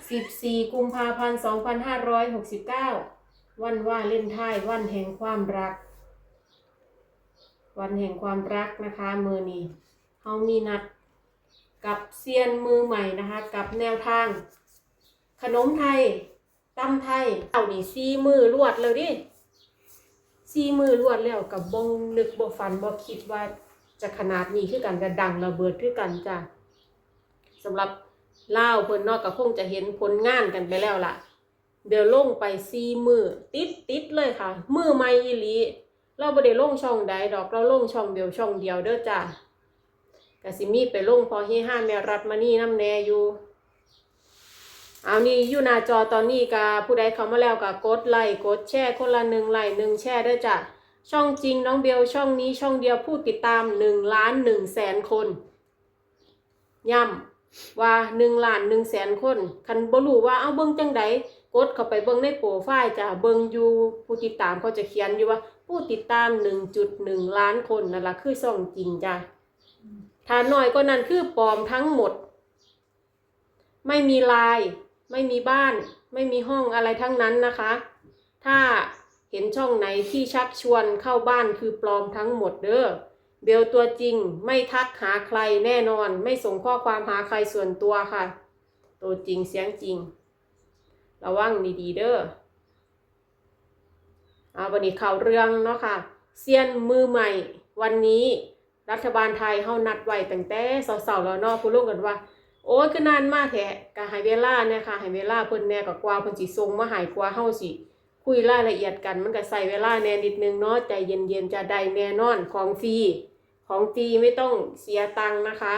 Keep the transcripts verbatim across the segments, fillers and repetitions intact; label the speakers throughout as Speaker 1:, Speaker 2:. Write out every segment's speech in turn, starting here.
Speaker 1: สิบสี่กุมภาพันธ์สองพันห้าร้อยหกสิบเก้าวันว่าเล่นท้ายวันแห่งความรักวันแห่งความรักนะคะมือนี้เฮามีนัดกับเซียนมือใหม่นะคะกับแนวทางขนมไทยตำไทยเอานี่สี่มือรวดเลยดิสี่มือรวดแล้วกับบงนึกบ่ฝันบ่คิดว่าจะขนาดนี้คือกันจะดังระเบิดคือกันจ้ะสำหรับเล่าเพิ่นนอกก็คงจะเห็นผลงานกันไปแล้วล่ะเดี๋ยวลงไปสี่มือติดติดเลยค่ะมือใหม่อีหลีเราบ่ได้ลงช่องใดดอกเราลงช่องเดียวช่องเดียวเด้อจ้ะก็สิมีไปลงพอเฮฮาแม่รัฐมานี่น้ำแน่อยู่เอานี่อยู่หน้าจอตอนนี้ก็ผู้ใดเข้ามาแล้วก็กดไลค์กดแชร์คนละหนึ่งไลค์หนึ่งแชร์เด้อจ้ะช่องจริงน้องเบลช่องนี้ช่องเดียวผู้ติดตามหนึ่งล้านหนึ่งแสนคนย้ำว่าหนึ่งล้านหนึ่งแสนคนคันบ่รู้ว่าเอาเบิ่งจังใดกดเข้าไปเบิ่งในโปรไฟล์จ้ะเบิ่งอยู่ผู้ติดตามเขาจะเขียนอยู่ว่าผู้ติดตาม หนึ่งจุดหนึ่ง ล้านคนนั่นล่ะคือช่องจริงจ้ะถ้าน้อยกว่านั้นคือปลอมทั้งหมดไม่มีไลน์ไม่มีบ้านไม่มีห้องอะไรทั้งนั้นนะคะถ้าเห็นช่องไหนที่ชักชวนเข้าบ้านคือปลอมทั้งหมดเด้อเบลตัวจริงไม่ทักหาใครแน่นอนไม่ส่งข้อความหาใครส่วนตัวค่ะตัวจริงเสียงจริงระวังดีๆเด้อเอาวันนี้ข่าวเรื่องเนาะค่ะเซียนมือใหม่วันนี้รัฐบาลไทยเฮานัดไว้ตั้งแต่เช้าๆแล้วเนาะพูดลงกันว่าโอ้ยคือนานมากแท้ก็ให้เวลาเนี่ยค่ะให้เวลาเพิ่นแน่ก็กว่าเพิ่นสิส่งมาให้กว่าเฮาสิคุยรายละเอียดกันมันก็ใส่เวลาแน่นิดนึงเนาะใจเย็นๆจะได้แน่นอนของฟรีของฟรีไม่ต้องเสียตังค์นะคะ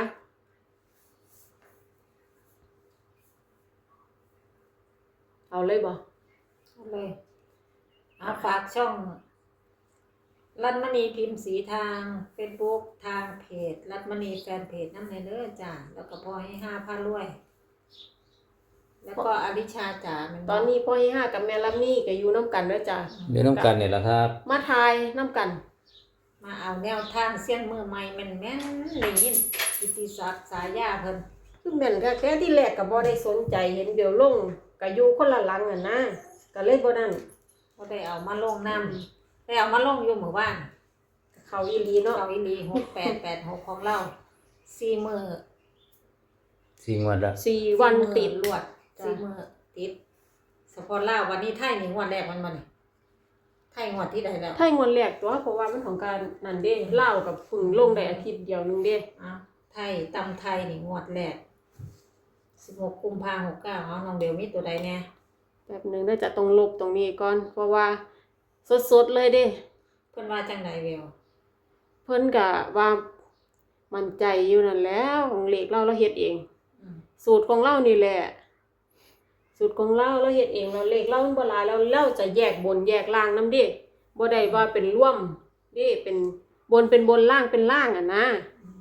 Speaker 1: เอาเลยบ่
Speaker 2: เอาเลยเอาฝากช่องรัตมณีพิมพ์สีทาง Facebook ทางเพจรัตมณีแฟนเพจน้ำในเด้อจ้าแล้วก็พอให้ห้าพันรวยแล้วก็อลิชาจ๋า
Speaker 1: ตอนนี้พ่อให้ห้ากับแม่ลับนี่ก็อยู่น้ำกันเด้อจ้า
Speaker 3: เดี๋ยวน้ำกันเนี่ยแหละครับ
Speaker 1: มาทายน้ำกัน
Speaker 2: มาเอาแนวทางเสี้ยนมือใหม่แม่นแม่นได้ยินกิตติศักดิ์สายาเพิ่น
Speaker 1: คือแม่นก็แค่ที่แรกก็บ่ได้สนใจเห็นเดี๋ยวลงก็อยู่คนละหลังอ่ะนะก็เลยบ่นั่น
Speaker 2: บ่ได้เอามาลงนำได้เอามาลงอยู่หมู่บ้าน
Speaker 1: เขาอีหลีเนาะ
Speaker 2: เขาอีหลีหกแปดแปดหกของเราสี่มื้อ
Speaker 3: สี่วันละ
Speaker 1: สี่วันติด
Speaker 2: รวดสี่มื้อติดเฉพาะลาววันนี้ไทยนี่งวดแรกมันบ่นี่ไทยงวดที่ใดแล้ว
Speaker 1: ไทยงวดแรกตัวเพราะว่ามันของการนั่นเด้ลาวกับพึ่งลงได้อาทิตย์เดียวนึงเด้
Speaker 2: อ้าวไทยตำไทยนี่งวดแรกสิบหกกุมภาพันธ์หกเก้าเอาน้องเดี๋ยวมีตัวใดแน่
Speaker 1: แบบนึงได้จะต้องลบตรงนี้ก่อนเพราะว่าสดๆเลยเด้
Speaker 2: เพิ่นว่าจังไดเวล
Speaker 1: เพิ่นก็ว่ามั่นใจอยู่นั่นแล้วของเลขเราเราเฮ็ดเองสูตรของเรานี่แหละสูตรของเราเราเฮ็ดเองเราเลขเรามันบ่หลายแล้วเราจะแยกบนแยกล่างนำเด้บ่ได้ว่าเป็นร่วมเด้เป็นบนเป็นบนล่างเป็นล่างอ่ะนะ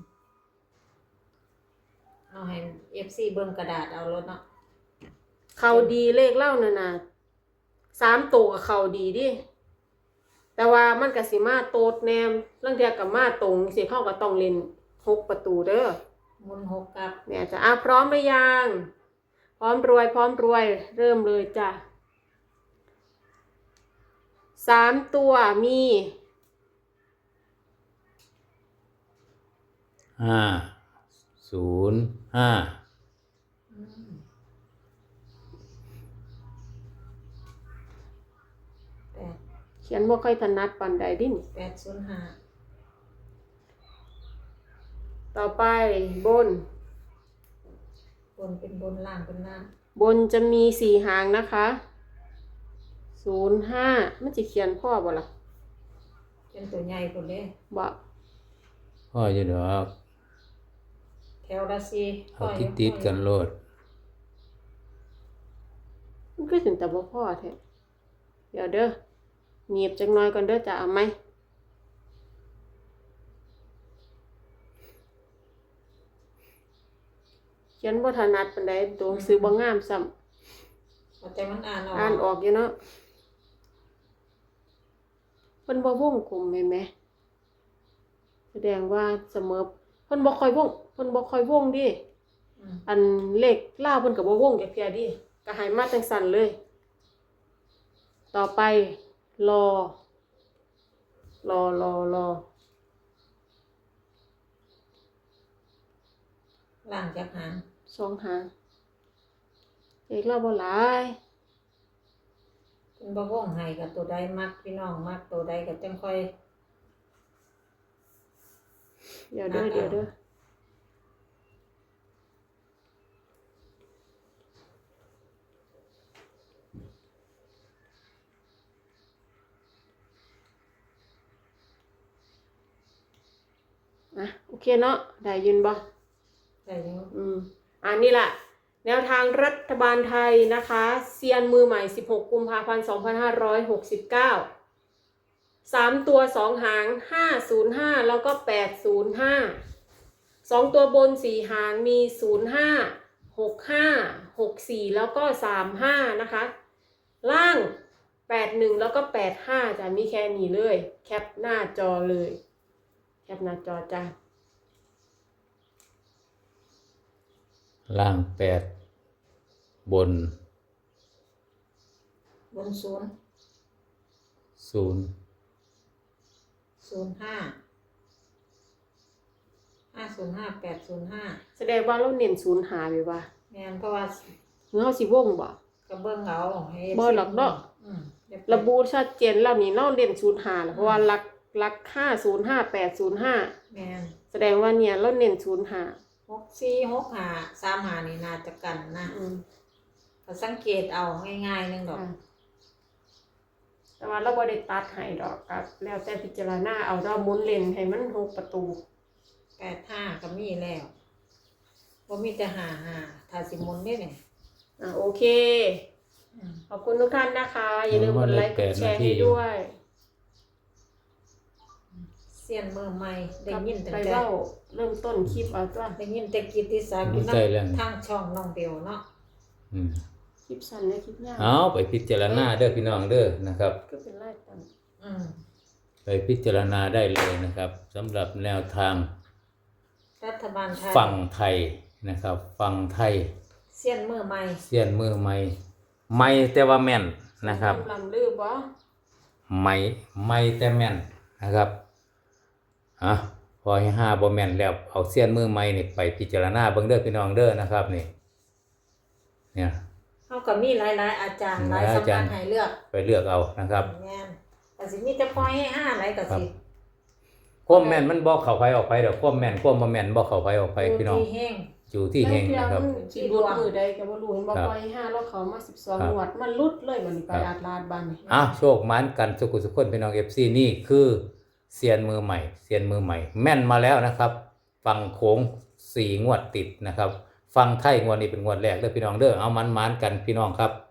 Speaker 2: เอาให้ เอฟ ซี เบิ่งกระดาษเอารถเนาะ
Speaker 1: เข้าดีเลขเรานั่นน่ะสามตัวก็เข้าดีดิแต่ว่ามันก็สิมาโตดแนมลางเทื่อก็มาตรงสิเฮาก็ต้องเล่นหกประตูเด้อ
Speaker 2: หมุนหกกับ
Speaker 1: แม่จะอ่ะพร้อมหรือยังพร้อมรวยพร้อมรวยเริ่มเลยจ้ะสามตัวมี
Speaker 3: ห้าศูนย์ห้า
Speaker 1: เขียนบ่ค่อยถนัดปานใดดิ
Speaker 2: แปดศูนย์ห้า
Speaker 1: ต่อไปบน
Speaker 2: บนเป็นบนล่างเป็นล่าง
Speaker 1: บนจะมีสี่หางนะคะศูนย์ห้ามันจะเขียนพ่อบ่ล่ะ
Speaker 2: เป็นตัวใหญ่พุ่นเด้
Speaker 1: บ่
Speaker 3: พ่ออยู่ดอก
Speaker 2: แถวละสี่
Speaker 3: เอาติดๆกันโลด
Speaker 1: มันก็ถึงแต่บ่พ่อแท้เดี๋ยวเด้อเงียบจักหน่อยก่อนเด้อจะเอาไหมเขียนบ่ถนัดปานใดตัวหนังสือบ่งามซ้ำ
Speaker 2: แต่มันอ่านออก
Speaker 1: อ่านออกอยู่เนาะเพิ่นบ่วงกลมแม่นไหมแสดงว่าเสมอเพิ่นบ่ค่อยวงเพิ่นบ่ค่อยวงดิอันเลขลาวเพิ่นก็บ่วงจักเที่ยดิก็ให้มาจังสั่นเลย ต่อไปรอ รอรอรอ
Speaker 2: ล่างจากหาง
Speaker 1: สองหางเอกเราบ่หลาย
Speaker 2: เป็นบ่วงให้กับตัวใดมักพี่น้องมักตัวใดก็จังค่อย
Speaker 1: เดี๋ยวเด้อเดี๋ยวเด้ออ่ะโอเคเนาะได้ยินบ่
Speaker 2: ได้อยู่
Speaker 1: อืมอันนี้แหละแนวทางรัฐบาลไทยนะคะเซียนมือใหม่สิบหกกุมภาพันธ์สองพันห้าร้อยหกสิบเก้าสามตัวสองหางห้าศูนย์ห้าแล้วก็แปดศูนย์ห้าสองตัวบนสี่หางมีศูนย์ห้าหกห้าหกสี่แล้วก็สามห้านะคะล่างแปดหนึ่งแล้วก็แปดห้าจะมีแค่นี้เลยแคปหน้าจอเลยแคปหน้าจอจ้า
Speaker 3: ล่างแปดบน
Speaker 2: บนศูนย์
Speaker 3: ศูนย์
Speaker 2: ศูนย์ห้าห้าศูนย์ห้าแปดศูนย์ห้า
Speaker 1: แสดงว่าเราเน้นศูนย์หาไปว่า
Speaker 2: แม่นเพราะว่า
Speaker 1: เงาสิวงบ่
Speaker 2: กระเบื้องเอาให้
Speaker 1: บ่หรอกเนาะ
Speaker 2: อืมเดี๋ยว
Speaker 1: ระบุชัดเจนแล้วนี่เราเน้นศูนย์หาเพราะว่าหลักหลักห้าศูนย์ห้าแปดศูนย์ห้า
Speaker 2: แม่น
Speaker 1: แสดงว่าเนี่ยเราเน้นศูนย์หา
Speaker 2: หกสี่หกห้าสามห้านี่น่าจะกันนะ
Speaker 1: อืม
Speaker 2: ก็สังเกตเอาง่ายๆหนึงดอก
Speaker 1: ค่ะแต่ว่าเราบ่ได้ตัดให้ดอกครับแล้วแต่พิจารณาเอาเราหมุนเลนให้มันหกประตู
Speaker 2: แปดห้าก็มีแล้วบ่มีแต่ห้าห้าถ้าสิหมุนได้เนี่ย
Speaker 1: อ่ะโอเค
Speaker 2: อืม
Speaker 1: ขอบคุณทุกท่านนะคะ อย่าลืมกดไลค์กดแชร์ให้ด้วย
Speaker 2: เสียนมือใหม่ได้ยินแต่
Speaker 1: ไป
Speaker 2: แต่
Speaker 1: เล่าเริ่มต้นคลิปเอาจ้ะ
Speaker 2: ได้ยินแต่กิตติศักดิ์อยู่
Speaker 3: ใช่แล้ว
Speaker 2: ทางช่องน้องเบลเนาะ
Speaker 3: อืม
Speaker 1: คลิปสั้นและคลิปยาว
Speaker 3: เอาไปพิจารณาเด้อพี่น้องเด้อนะครับ
Speaker 1: ก็เป็นไล่ตัน
Speaker 2: อืม
Speaker 3: ไปพิจารณาได้เลยนะครับสำหรับแนวทาง
Speaker 2: รัฐบาลไทย
Speaker 3: ฝั่งไทยนะครับฝั่งไทย
Speaker 2: เสียนมือใหม่
Speaker 3: เสี้ยนมือใหม่ใหม่แต่ว่าแม่นนะครับ
Speaker 1: ลำลือบ่
Speaker 3: ใหม่ใหม่แต่แม่นนะครับอ่ะพอให้ห้าบ่แม่นแล้วเอาเสี้ยนมือใหม่นี่ไปพิจารณาเบิ่งเด้อพี่น้องเด้อนะครับนี่เนี่ย
Speaker 2: เฮาก็มีหลายๆอาจารย์หลาย
Speaker 3: หลาย
Speaker 2: สำ
Speaker 3: อาจา
Speaker 2: นั
Speaker 3: ร
Speaker 2: ก
Speaker 3: ย์
Speaker 2: ให้เลือก
Speaker 3: ไปเลือกเอานะครับ
Speaker 2: แม่นก็สิมีแต่พอยให้ห้าหลายก็สิ
Speaker 3: ความแม่นมันบ่เข้าไปออกไปดอกความแม่นความบ่แม่นบ่เข้าไปออกไปพี่น้อง
Speaker 2: ที่แห้ง
Speaker 3: อยู่ที่แห่งนะครับ
Speaker 1: สิรุดมือใดก็บ่รู้เห็นบ่
Speaker 3: ครับ
Speaker 1: ปล่อยห้าแล้วเขามาสิบสอง
Speaker 3: ครับ
Speaker 1: งวดมันลุดเลยบัดนี้ไป
Speaker 3: ครับ
Speaker 1: อาดลาดบัดนี้
Speaker 3: อ่ะโชคหมานกันสุขุสุขคนพี่น้อง เอฟ ซี นี่คือเซียนมือใหม่เซียนมือใหม่ แม่นมาแล้วนะครับ ฟังโค้งสี่งวดติดนะครับ ฟังไทยงวดนี้เป็นงวดแรกเด้อพี่น้องเด้อเอามันหมานกันพี่น้องครับ